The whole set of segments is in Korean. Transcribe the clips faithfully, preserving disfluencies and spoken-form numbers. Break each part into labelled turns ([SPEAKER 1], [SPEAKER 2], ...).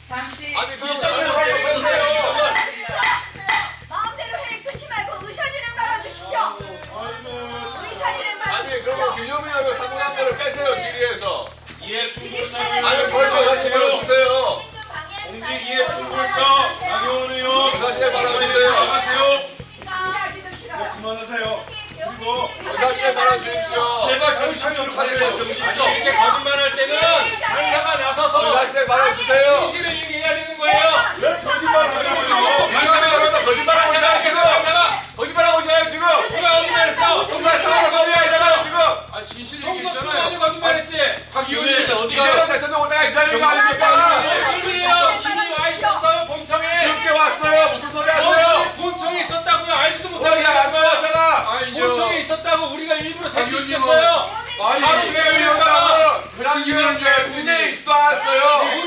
[SPEAKER 1] 잠시.
[SPEAKER 2] 아니 그거 잘못하세요.
[SPEAKER 3] 마음대로 회의 끊지 말고 의사진행 말아주십시오. 의사진행
[SPEAKER 2] 아니
[SPEAKER 3] 말아주십시오.
[SPEAKER 2] 그러면 김효민하고 사문한 거를 빼세요 질의에서.
[SPEAKER 4] 이해 충돌차
[SPEAKER 2] 아니 벌써 다시 말아주세요.
[SPEAKER 4] 공직 이해 충돌차 나경원 의원
[SPEAKER 2] 다시 말아주세요.
[SPEAKER 4] 나가세요.
[SPEAKER 3] 이야기도 싫어요.
[SPEAKER 4] 그만하세요. 그리고
[SPEAKER 2] 다시 말아주십시오.
[SPEAKER 4] 제발 정신 좀 차리세요. 정신
[SPEAKER 5] 아니
[SPEAKER 4] 좀.
[SPEAKER 5] 이렇게 거짓말할 때는 강사가 나서서
[SPEAKER 2] 다시 말아주세요.
[SPEAKER 5] 진실을 얘기해야 되는 거예요.
[SPEAKER 4] 왜 거짓말하냐고요?
[SPEAKER 2] 김효민하고 거짓말하고 있잖아요 지금.
[SPEAKER 5] 강사가
[SPEAKER 2] 거짓말하고 있잖아요 지금.
[SPEAKER 5] 누가 거짓말했어?
[SPEAKER 2] 정말 상황을 거짓말하잖아요 지금.
[SPEAKER 4] 아 진실
[SPEAKER 5] 통과
[SPEAKER 4] 얘기했잖아요.
[SPEAKER 5] 통과도 거짓말했지.
[SPEAKER 4] 박기훈이
[SPEAKER 2] 이재명 대통령 오다가 기다리는 거 아닙니까?
[SPEAKER 5] 이분이요 이분이 와 있었어요 본청에.
[SPEAKER 2] 이렇게 왔어요. 무슨 소리 하세요?
[SPEAKER 5] 어, 본청에 있었다고요. 알지도 못하고
[SPEAKER 2] 우리가 안 들어왔잖아.
[SPEAKER 5] 본청에 있었다고 우리가 일부러 대기시켰어요.
[SPEAKER 2] 아니
[SPEAKER 5] 바로
[SPEAKER 2] 이재명
[SPEAKER 5] 지금
[SPEAKER 2] 위원장은 그런 기관에 문제 있지도 않았어요.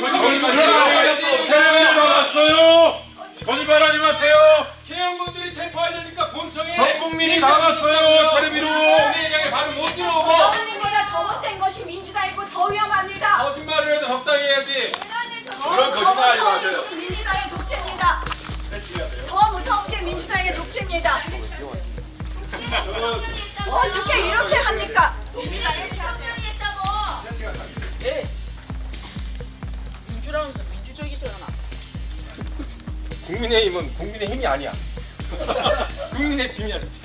[SPEAKER 4] 나갔어요. 거짓말하지 마세요.
[SPEAKER 5] 개헌군들이 체포하려니까 본청에
[SPEAKER 4] 전 국민이 나갔어요. 텔레비로.
[SPEAKER 5] 본회의장에 바로 못 들어오고
[SPEAKER 3] 여러분보다 잘못된 것이 민주당이고 더 위험합니다.
[SPEAKER 5] 거짓말을 해도 적당히 해야지.
[SPEAKER 2] 그런 거짓말 하지 마세요.
[SPEAKER 3] 민주당의 독재입니다. 더 무서운 게 민주당의 독재입니다. 어떻게 이렇게 합니까?
[SPEAKER 1] 예. 민주라면서 민주적이잖아.
[SPEAKER 5] 국민의힘은 국민의 힘이 아니야. 국민의 힘이야 진짜.